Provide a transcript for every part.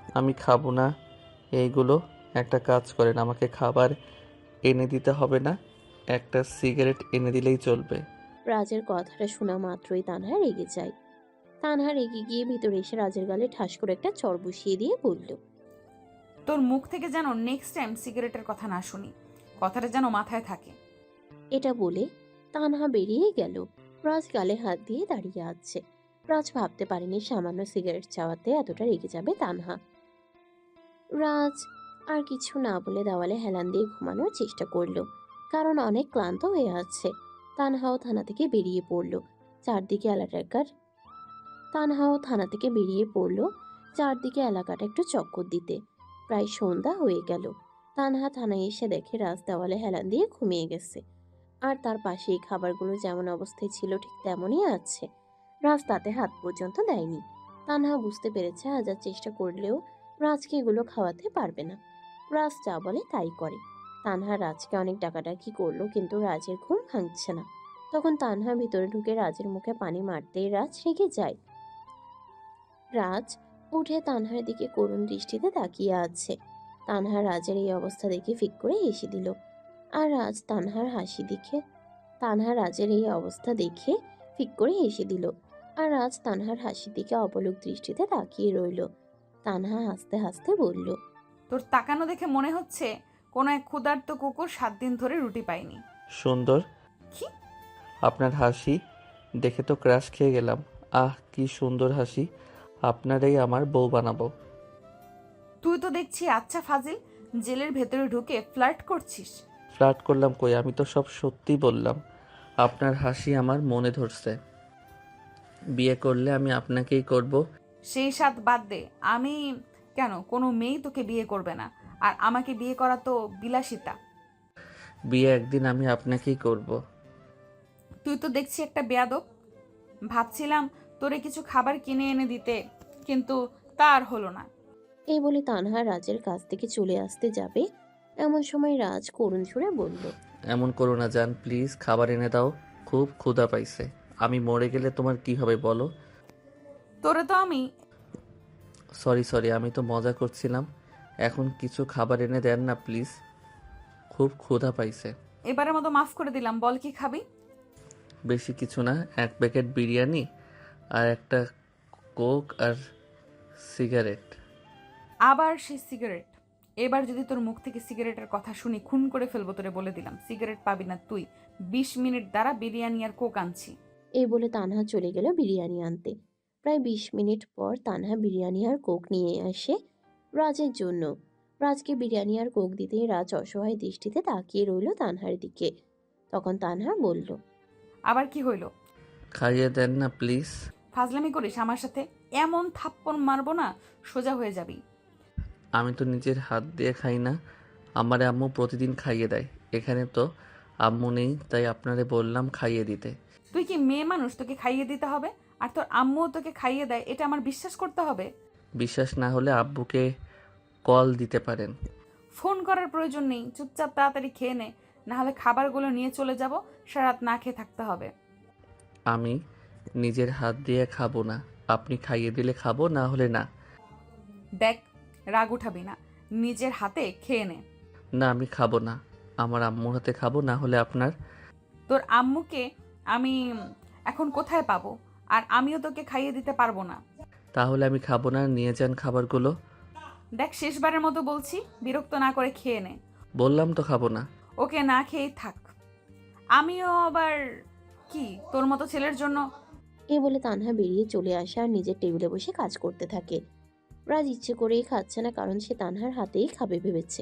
আমি খাবো না এইগুলো। একটা কাজ করেন, আমাকে খাবার এনে দিতে হবে না, একটা সিগারেট এনে দিলেই চলবে। রাজের কথাটা শোনা মাত্রই তানহা রেগে যায়। তানহা রেগে গিয়ে ভিতরে এসে রাজের গালে ঠাস করে একটা চড় বসিয়ে দিয়ে বলল, তোর মুখ থেকে যেন নেক্সট টাইম সিগারেটের কথা না শুনি, কথাটা যেন মাথায় থাকে। এটা বলে তানহা বেরিয়ে গেল। রাজ গালে হাত দিয়ে দাঁড়িয়ে আছে। রাজ ভাবতে পারেনি সামান্য সিগারেট চাওয়াতে এতটা রেগে যাবে তানহা। রাজ আর কিছু না বলে দেওয়ালে হেলান দিয়ে ঘুমানোর চেষ্টা করলো, কারণ অনেক ক্লান্ত হয়ে আছে। তানহাও থানা থেকে বেরিয়ে পড়লো চারদিকে এলাকার তানহাও থানা থেকে বেরিয়ে পড়লো চারদিকে এলাকাটা একটু চক্কর দিতে। প্রায় সন্ধ্যা হয়ে গেল। তানহা থানায় এসে দেখে রাজ দেওয়ালে হেলান দিয়ে ঘুমিয়ে গেছে। আর তার পাশে এই খাবারগুলো যেমন অবস্থায় ছিল ঠিক তেমনই আছে। রাজ তাতে হাত পর্যন্ত দেয়নি। তানহা বুঝতে পেরেছে হাজার চেষ্টা করলেও রাজকে এগুলো খাওয়াতে পারবে না। রাজ যা বলে তাই করে। তানহা রাজকে অনেক ডাকাডাকি করলো, কিন্তু রাজের ঘুম ভাঙছে না। তখন তানহা ভিতরে ঢুকে রাজের মুখে পানি মারতেই রাজ রেগে যায়। রাজ উঠে তানহার দিকে করুণ দৃষ্টিতে তাকিয়ে আছে। তানহা রাজের এই অবস্থা দেখে ফিক করে হেসে দিল। আর রাজ তানহার হাসি দেখে তানহা রাজের এই অবস্থা দেখে ফিক করে হেসে দিল। আর রাজ তানহার হাসির দিকে অপলক দৃষ্টিতে তাকিয়ে রইল। তানহা হাসতে হাসতে বলল, তোর তাকানো দেখে মনে হচ্ছে কোনো এক ক্ষুধার্ত কুকুর 7 দিন ধরে রুটি পায়নি। সুন্দর। কি? আপনার হাসি দেখে তো ক্রাশ খেয়ে গেলাম। আহ, কি সুন্দর হাসি। আপনারই আমার বউ বানাবো। তুই তো দেখছি আচ্ছা ফাজিল, জেলের ভেতরে ঢুকে ফ্লার্ট করছিস। ফ্লার্ট করলাম কই, আমি তো সব সত্যি বললাম। আপনার হাসি আমার মনে ধরছে। বিয়ে করলে আমি আপনাকেই করব। সেই সাথ বাদ দে। আমি কেন, কোনো মেয়েই তোকে বিয়ে করবে না। আর আমাকে বিয়ে করা তো বিলাসিতা। বিয়ে একদিন আমি আপনাকেই করব। তুই তো দেখছি একটা বেয়াদব। ভাবছিলাম তোরে কিছু খাবার কিনে এনে দিতে, কিন্তু তা আর হলো না। এই বলে তানহা রাজের কাছ থেকে চলে আসতে যাবে, এমন সময় রাজ করুণ সুরে বলল, এমন করো না জান, প্লিজ খাবার এনে দাও। খুব ক্ষুধা পাইছে। আমি মরে গেলে তোমার কি হবে বলো? তোরে তো আমি সরি সরি, আমি তো মজা করছিলাম। এখন কিছু খাবার এনে দেন না প্লিজ, খুব ক্ষুধা পাইছে। এবারের মতো মাফ করে দিলাম, বল কি খাবি? বেশি কিছু না, এক প্যাকেট বিরিয়ানি আর একটা কোক আর সিগারেট। আবার সেই সিগারেট? এবার যদি তোর মুখ থেকে সিগারেটের কথা শুনি খুন করে ফেলবো তোরে, বলে দিলাম। সিগারেট পাবি না তুই। 20 মিনিট দ্বারা বিরিয়ানি আর কোক আনছি। এই বলে তানহা চলে গেল বিরিয়ানি আনতে। প্রায় 20 মিনিট পর তানহা বিরিয়ানি আর কোক নিয়ে আসে রাজের জন্য। রাজকে বিরিয়ানি আর কোক দিতেই রাজ অসহায় দৃষ্টিতে তাকিয়ে রইল তানহার দিকে। তখন তানহা বলল, আবার কি হইল? খাইয়ে দেন না প্লিজ। ফাজলামি করিস আমার সাথে? এমন থাপ্পড় মারবো না, সোজা হয়ে যাবি। আমি তো নিজের হাত দিয়ে খাই না, আমার আম্মু প্রতিদিন খাইয়ে দেয়। এখানে তো আম্মু নেই, তাই আপনারে বললাম খাইয়ে দিতে। তুই কি মেয়ে মানুষ তোকে খাইয়ে দিতে হবে? আর তোর আম্মুও তোকে খাইয়ে দেয়, এটা আমার বিশ্বাস করতে হবে? বিশ্বাস না হলে আব্বুকে কল দিতে পারেন। ফোন করার প্রয়োজন নেই, চুপচাপ তাড়াতাড়ি খেয়ে নে, না হলে খাবারগুলো নিয়ে চলে যাব, সারাত না খেয়ে থাকতে হবে। আমি নিজের হাত দিয়ে খাবো না, আপনি খাইয়ে দিলে খাবো, না হলে না। দেখ, রাগ উঠাবি না, নিজের হাতে খেয়ে নে। না, আমি খাবো না, আমার আম্মুর হাতে খাবো, না হলে আপনার। তোর আম্মুকে আমি এখন কোথায় পাবো? আর আমিও তোকে খাইয়ে দিতে পারবো না। তাহলে আমি খাবো না, নিয়ে যান খাবারগুলো। দেখ, শেষবারের মতো বলছি, বিরক্ত না করে খেয়ে নে। বললাম তো খাবো না। ওকে, না খেয়েই থাক। আমিও আবার কি তোর মতো ছেলের জন্য? এই বলে তানহা বেরিয়ে চলে আসে আর নিজের টেবিলে বসে কাজ করতে থাকে। রাজ ইচ্ছে করেই খাচ্ছে না, কারণ সে তানহার হাতেই খাবে ভেবেছে।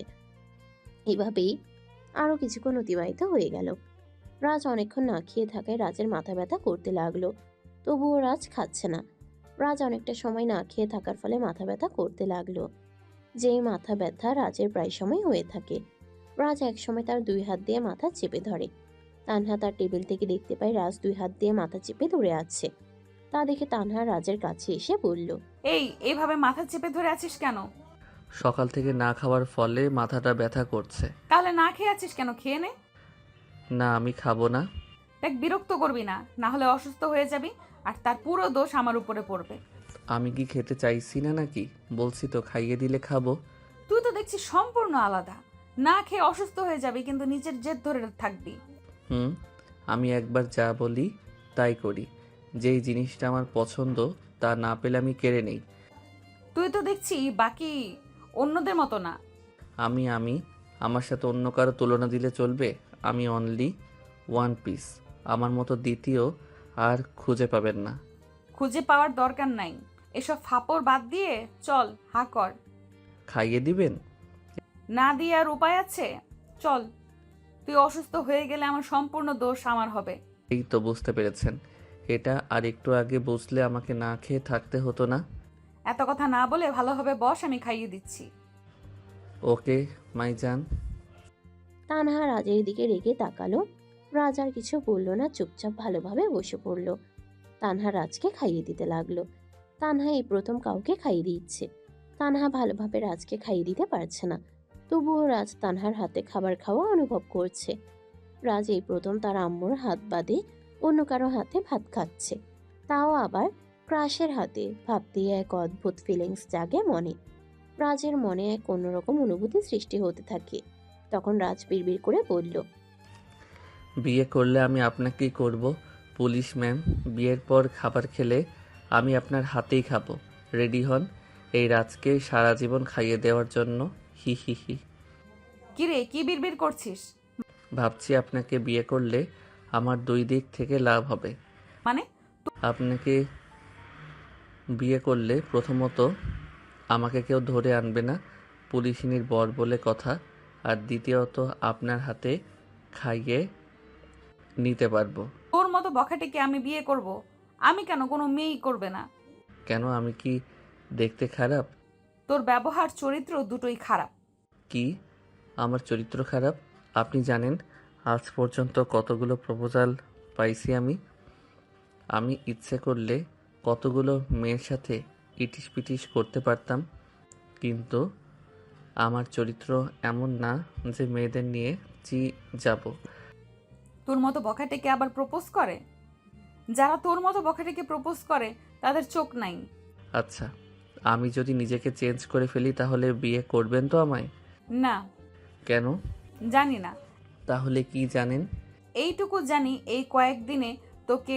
এভাবেই আরো কিছুক্ষণ অতিবাহিত হয়ে গেল। রাজ অনেকক্ষণ না খেয়ে থাকায় রাজের মাথা ব্যথা করতে লাগলো। তবুও রাজ খাচ্ছে না। রাজ অনেকটা সময় না খেয়ে থাকার ফলে মাথা ব্যথা করতে লাগলো। যেই মাথা ব্যথা রাজের প্রায় সময় হয়ে থাকে। রাজ একসময় তার 2 হাত দিয়ে মাথা চেপে ধরে। তানহা তার টেবিল থেকে দেখতে পায় রাজ 2 হাত দিয়ে মাথা চেপে ধরে আছে। তা দেখে তানহা রাজের কাছে এসে বলল, এইভাবে মাথা চেপে ধরে আছিস কেন? সকাল থেকে না খাওয়ার ফলে মাথাটা ব্যথা করছে। তাহলে না খেয়ে আছিস কেন? খেয়ে নে। না, আমি খাবো না। দেখ, বিরক্ত করবি না, না হলে অসুস্থ হয়ে যাবি, আর তার পুরো দোষ আমার উপরে পড়বে। আমি কি খেতে চাইছি না নাকি? বলছি তো খাইয়ে দিলে খাবো। তুই তো দেখছি সম্পূর্ণ আলাদা। না খেয়ে অসুস্থ হয়ে যাবি কিন্তু নিজের জেদ ধরে থাকবি। হুম, আমি একবার যা বলি তাই করি। যেই জিনিসটা আমার পছন্দ তা না পেলে আমি কেড়ে নেই। তুই তো দেখছি বাকি অন্যদের মতো না। আমি আমার সাথে অন্য কারো তুলনা দিলে চলবে? আমি অনলি ওয়ান পিস। আমার মতো দ্বিতীয় আর খুঁজে পাবেন না। খুঁজে পাওয়ার দরকার নাই। এসব ফাপড় বাদ দিয়ে চল, হা কর। খাইয়ে দিবেন? না দিয়ে আর উপায় আছে? চল। তুই অসুস্থ হয়ে গেলে আমার সম্পূর্ণ দোষ আমার হবে। এই তো বুঝতে পেরেছেন। এটা আর একটু আগে বুঝলে আমাকে না খেয়ে থাকতে হতো না। এত কথা না বলে ভালোভাবে বস, আমি খাইয়ে দিচ্ছি। ওকে মাইজান। তানহা রাজের দিকে রেগে তাকালো। রাজ আর কিছু বলল না, চুপচাপ ভালোভাবে বসে পড়ল। তানহা রাজকে খাইয়ে দিতে লাগলো। তানহা এই প্রথম কাউকে খাইয়ে দিচ্ছে। তানহা ভালোভাবে রাজকে খাইয়ে দিতে পারছে না, তবুও রাজ তানহার হাতে খাবার খাওয়া অনুভব করছে। রাজ এই প্রথম তার আম্মুর হাত বাদে অন্য কারো হাতে ভাত খাচ্ছে, তাও আবার ক্রাশের হাতে। ভাবতেই এক অদ্ভুত ফিলিংস জাগে মনে। রাজের মনে এক অন্যরকম অনুভূতি সৃষ্টি হতে থাকে। তখন রাজ বিড়বিড় করে বলল, বিয়ে করলে আমি আপনাকেই করব পুলিশ ম্যাম। বিয়ের পর খাবার খেলে আমি আপনার হাতেই খাবো। রেডি হন এই রাজকে সারা জীবন খাইয়ে দেওয়ার জন্য। হি হি হি। কিরে, কি বিড়বিড় করছিস? ভাবছি আপনাকে বিয়ে করলে আমার দুই দিক থেকে লাভ হবে। মানে? আপনাকে বিয়ে করলে প্রথমত আমাকে কেউ ধরে আনবে না, পুলিশিনীর বর বলে কথা। আর দ্বিতীয়ত আপনার হাতে খাইয়ে নিতে পারবো। তোর মতো বখাটেকে আমি বিয়ে করব? আমি কেন, কোনো মেয়েই করবে না। কেন, আমি কি দেখতে খারাপ? তোর ব্যবহার চরিত্র দুটোই খারাপ। কি আমার চরিত্র খারাপ? আপনি জানেন আজ পর্যন্ত কতগুলো প্রপোজাল পাইছি আমি। আমি ইচ্ছে করলে কতগুলো মেয়ের সাথে ইটিস পিটিস করতে পারতাম, কিন্তু আমার চরিত্র এমন না যে মেয়েদের নিয়ে যাব। তোর মতো বখাটেকে আবার প্রপোজ করে? যারা তোর মতো বখাটেকে প্রপোজ করে তাদের চোখ নাই। আচ্ছা, আমি যদি নিজেকে চেঞ্জ করে ফেলি তাহলে বিয়ে করবেন তো আমায়? না। কেন? জানি না। তাহলে কি জানেন? এইটুকু জানি, এই কয়েকদিনে তোকে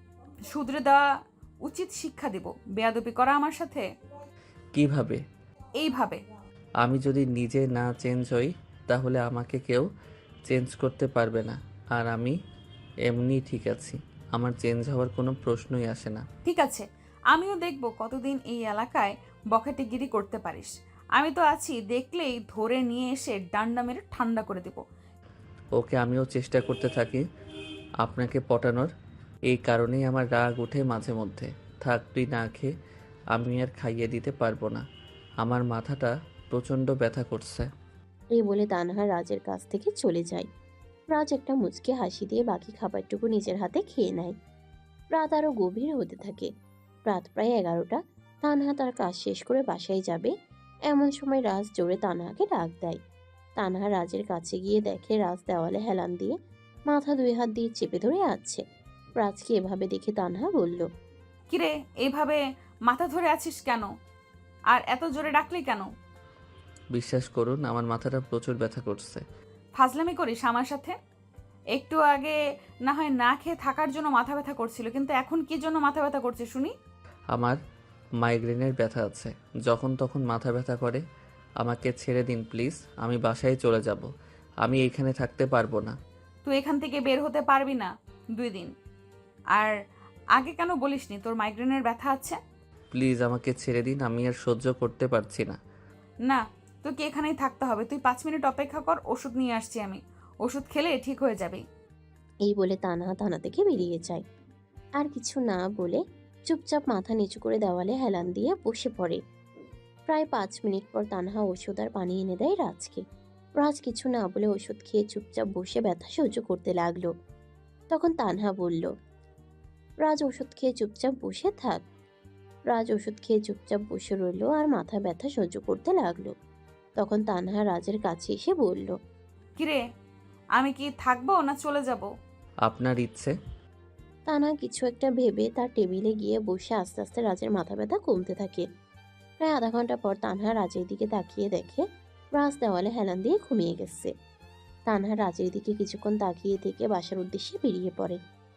শুধরে দেওয়া উচিত শিক্ষা দিব। বেয়াদবি করা আমার সাথে কিভাবে? এইভাবে। আমি যদি নিজে না চেঞ্জ হই তাহলে আমাকে কেউ চেঞ্জ করতে পারবে না। আর আমি এমনি ঠিক আছি, আমার চেঞ্জ হওয়ার কোনো প্রশ্নই আসে না। ঠিক আছে, আমিও দেখব কতদিন এই এলাকায় বখাটেগিরি করতে পারিস। আমি তো আছি, দেখলেই ধরে নিয়ে এসে ডান্ডা মেরে ঠান্ডা করে দেব। ওকে, আমিও চেষ্টা করতে থাকি আপনাকে পটানোর। এই কারণেই আমার রাগ ওঠে মাঝে মধ্যে। থাক তুই না খেয়ে, আমি আর খাইয়ে দিতে পারবো না। আমার মাথাটা প্রচণ্ড ব্যথা করছে। এই বলে তানহা রাজের কাছ থেকে চলে যায়। রাজ একটা মুচকে হাসি দিয়ে বাকি খাবারটুকু নিজের হাতে খেয়ে নেয়। রাত আরো গভীর হতে থাকে। রাত প্রায় 11টা। তানহা তার কাজ শেষ করে বাসায় যাবে, এমন সময় রাজ জোরে তানহাকে ডাক দেয়। তানহা রাজের কাছে গিয়ে দেখে রাজ দেওয়ালে হেলান দিয়ে মাথা 2 হাত দিয়ে চেপে ধরে আছে। রাজকে এভাবে দেখে তানহা বলল, কিরে, এইভাবে মাথা ধরে আছিস কেন? আর এত জোরে ডাকলি কেন? বিশ্বাস করুন আমার মাথাটা প্রচুর ব্যথা করছে। ফাজলামি করিস আমার সাথে? একটু আগে না হয় না খেয়ে থাকার জন্য মাথা ব্যথা করছিল, কিন্তু এখন কি জন্য মাথা ব্যথা করছে শুনি? আমার মাইগ্রেনের ব্যথা আছে, যখন তখন মাথা ব্যথা করে। আমাকে ছেড়ে দিন প্লিজ, আমি বাসায় চলে যাব। আমি এইখানে থাকতে পারবো না। তুই এখান থেকে বের হতে পারবি না 2 দিন। আর আগে কেন বলিসনি তোর মাইগ্রেনের ব্যথা আছে? প্লিজ আমাকে ছেড়ে দিন, আমি আর সহ্য করতে পারছি না। না, তোকে এখানেই থাকতে হবে। তুই 5 মিনিট অপেক্ষা কর, ওষুধ নিয়ে আসছি আমি। ওষুধ খেলে ঠিক হয়ে যাবে। এই বলে তানহা থানা থেকে বেরিয়ে যায়। আর কিছু না বলে চুপচাপ মাথা নিচু করে দেওয়ালে হেলান দিয়ে বসে পড়ে। প্রায় 5 মিনিট পর তানহা ওষুধ আর পানি এনে দেয় রাজকে। রাজ কিছু না বলে ওষুধ খেয়ে চুপচাপ বসে ব্যথা সহ্য করতে লাগলো। তখন তানহা বলল, রাজ ওষুধ খেয়ে চুপচাপ বসে থাক। রাজ ওষুধ খেয়ে চুপচাপ বসে রইল আর মাথা ব্যথা সহ্য করতে লাগলো। তখন তানহা রাজের কাছে এসে বলল, কিরে, আমি কি থাকবো না চলে যাব? আপনার ইচ্ছে। তানহা কিছু একটা ভেবে তার টেবিলে গিয়ে বসে আস্তে আস্তে রাজের মাথা ব্যথা কমতে থাকে। প্রায় আধা ঘন্টা পর তানহা রাজের দিকে তাকিয়ে দেখে রাজ দেওয়ালে হেলান দিয়ে ঘুমিয়ে গেছে। তানহা রাজের দিকে কিছুক্ষণ তাকিয়ে থেকে বাসার উদ্দেশ্যে বেরিয়ে পড়ে।